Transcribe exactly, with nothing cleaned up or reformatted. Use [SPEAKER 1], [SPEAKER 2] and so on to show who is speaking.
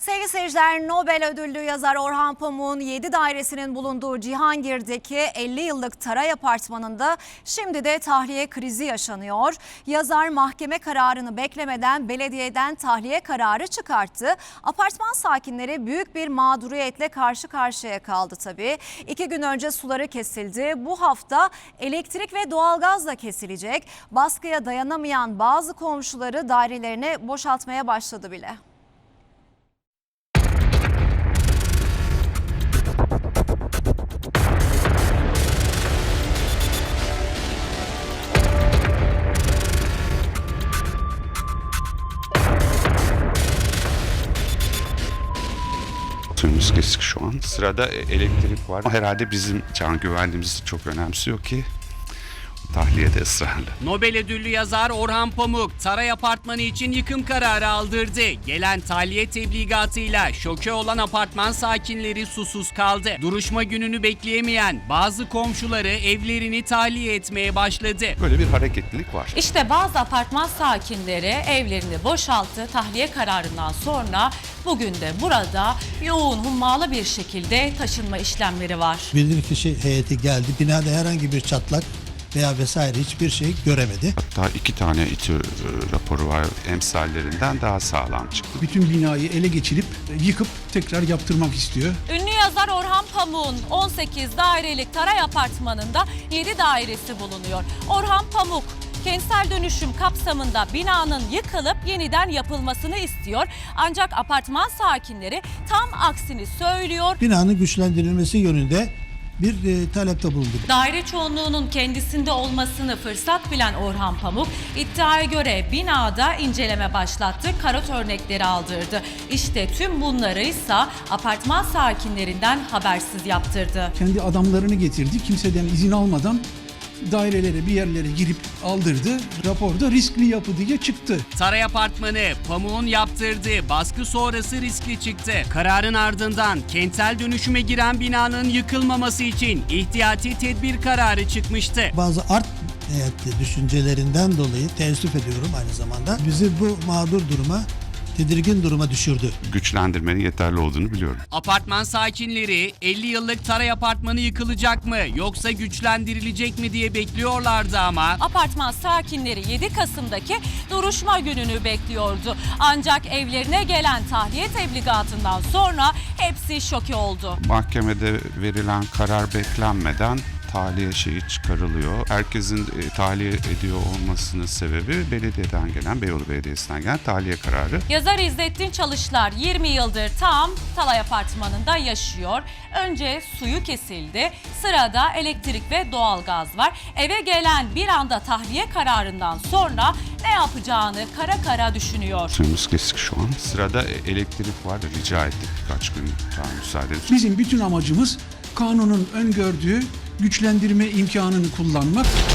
[SPEAKER 1] Sevgili seyirciler, Nobel ödüllü yazar Orhan Pamuk'un yedi dairesinin bulunduğu Cihangir'deki elli yıllık Taray Apartmanı'nda şimdi de tahliye krizi yaşanıyor. Yazar mahkeme kararını beklemeden belediyeden tahliye kararı çıkarttı. Apartman sakinleri büyük bir mağduriyetle karşı karşıya kaldı tabii. İki gün önce suları kesildi. Bu hafta elektrik ve doğalgaz da kesilecek. Baskıya dayanamayan bazı komşuları dairelerine boşaltmaya başladı bile.
[SPEAKER 2] Suyumuz kesik şu an. Sırada elektrik var. Herhalde bizim can güvenliğimizi çok önemsiyor ki tahliyede ısrarlı.
[SPEAKER 3] Nobel ödüllü yazar Orhan Pamuk, Taray Apartmanı için yıkım kararı aldırdı. Gelen tahliye tebligatıyla şoke olan apartman sakinleri susuz kaldı. Duruşma gününü bekleyemeyen bazı komşuları evlerini tahliye etmeye başladı.
[SPEAKER 2] Böyle bir hareketlilik var.
[SPEAKER 4] İşte bazı apartman sakinleri evlerini boşalttı. Tahliye kararından sonra bugün de burada yoğun hummalı bir şekilde taşınma işlemleri var.
[SPEAKER 5] Bilirkişi heyeti geldi. Binada herhangi bir çatlak veya vesaire hiçbir şey göremedi.
[SPEAKER 2] Hatta iki tane İTÜ raporu var, emsallerinden daha sağlam çıktı.
[SPEAKER 6] Bütün binayı ele geçirip yıkıp tekrar yaptırmak istiyor.
[SPEAKER 4] Ünlü yazar Orhan Pamuk'un on sekiz dairelik Taray Apartmanı'nda yedi dairesi bulunuyor. Orhan Pamuk kentsel dönüşüm kapsamında binanın yıkılıp yeniden yapılmasını istiyor. Ancak apartman sakinleri tam aksini söylüyor.
[SPEAKER 5] Binanın güçlendirilmesi yönünde bir e, talepte bulundu.
[SPEAKER 4] Daire çoğunluğunun kendisinde olmasını fırsat bilen Orhan Pamuk, iddiaya göre binada inceleme başlattı, karot örnekleri aldırdı. İşte tüm bunları ise apartman sakinlerinden habersiz yaptırdı.
[SPEAKER 6] Kendi adamlarını getirdi. Kimseden izin almadan dairelere, bir yerlere girip aldırdı. Raporda riskli yapı diye çıktı.
[SPEAKER 3] Taray Apartmanı, Pamuk'un yaptırdığı baskı sonrası riskli çıktı. Kararın ardından kentsel dönüşüme giren binanın yıkılmaması için ihtiyati tedbir kararı çıkmıştı.
[SPEAKER 5] Bazı art niyetli düşüncelerinden dolayı teessüf ediyorum aynı zamanda. Bizi bu mağdur duruma, tedirgin duruma düşürdü.
[SPEAKER 2] Güçlendirmenin yeterli olduğunu biliyorum.
[SPEAKER 3] Apartman sakinleri elli yıllık Taray Apartmanı yıkılacak mı yoksa güçlendirilecek mi diye bekliyorlardı ama
[SPEAKER 4] Apartman sakinleri yedi Kasım'daki duruşma gününü bekliyordu. Ancak evlerine gelen tahliye tebligatından sonra hepsi şoke oldu.
[SPEAKER 2] Mahkemede verilen karar beklenmeden tahliye şeyi çıkarılıyor. Herkesin e, tahliye ediyor olmasının sebebi belediyeden gelen, Beyoğlu Belediyesi'nden gelen tahliye kararı.
[SPEAKER 4] Yazar İzzettin Çalışlar yirmi yıldır tam Taray Apartmanı'nda yaşıyor. Önce suyu kesildi. Sırada elektrik ve doğalgaz var. Eve gelen bir anda tahliye kararından sonra ne yapacağını kara kara düşünüyor.
[SPEAKER 2] Suyumuz kesik şu an. Sırada elektrik var. Rica ettik birkaç gün daha müsaade edin.
[SPEAKER 6] Bizim bütün amacımız kanunun öngördüğü güçlendirme imkanını kullanmak.